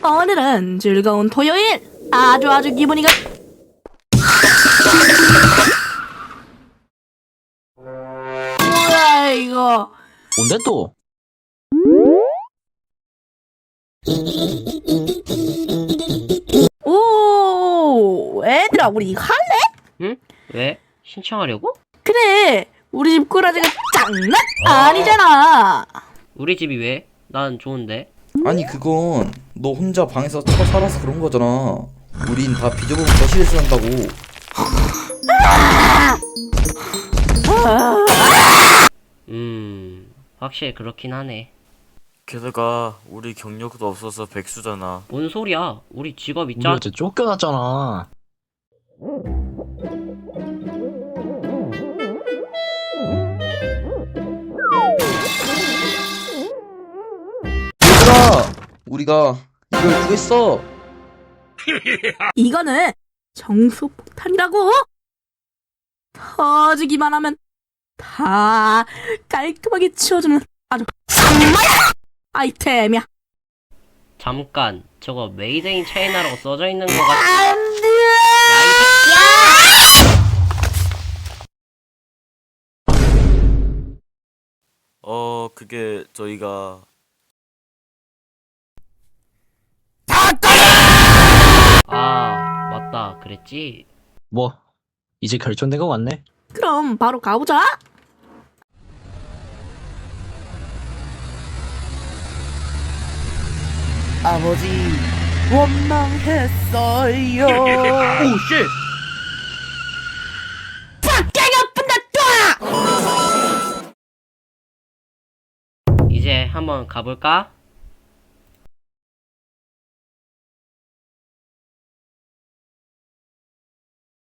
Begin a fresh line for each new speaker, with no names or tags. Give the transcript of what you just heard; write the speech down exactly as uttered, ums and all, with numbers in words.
오늘은 즐거운 토요일. 아주 아주 기분이 가. 뭐야 이거?
뭔데 또?
오, 애들아 우리 이거 할래?
응? 왜? 신청하려고?
그래, 우리 집 꼬라지가 장난 아니잖아.
우리 집이 왜? 난 좋은데.
아니 그건 너 혼자 방에서 처 살아서 그런 거잖아. 우린 다 비좁은 거실에서 산다고.
음... 확실히 그렇긴 하네.
게다가 우리 경력도 없어서 백수잖아.
뭔 소리야? 우리 직업
우리
있잖아.
어제 쫓겨났잖아.
얘들아, 우리가 이걸 구했어.
이거는 정수폭탄이라고. 터지기만 하면 다 깔끔하게 치워주는 아주 상마야 아이템이야.
잠깐, 저거 메이드 인 차이나라고 써져 있는 거 같아.
안돼.
어, 그게 저희가
아, 맞다. 그랬지?
뭐 이제 결정된 거 같네.
그럼 바로 가보자.
아버지 원망했어요.
오, 쉣! 이제 한번 가볼까?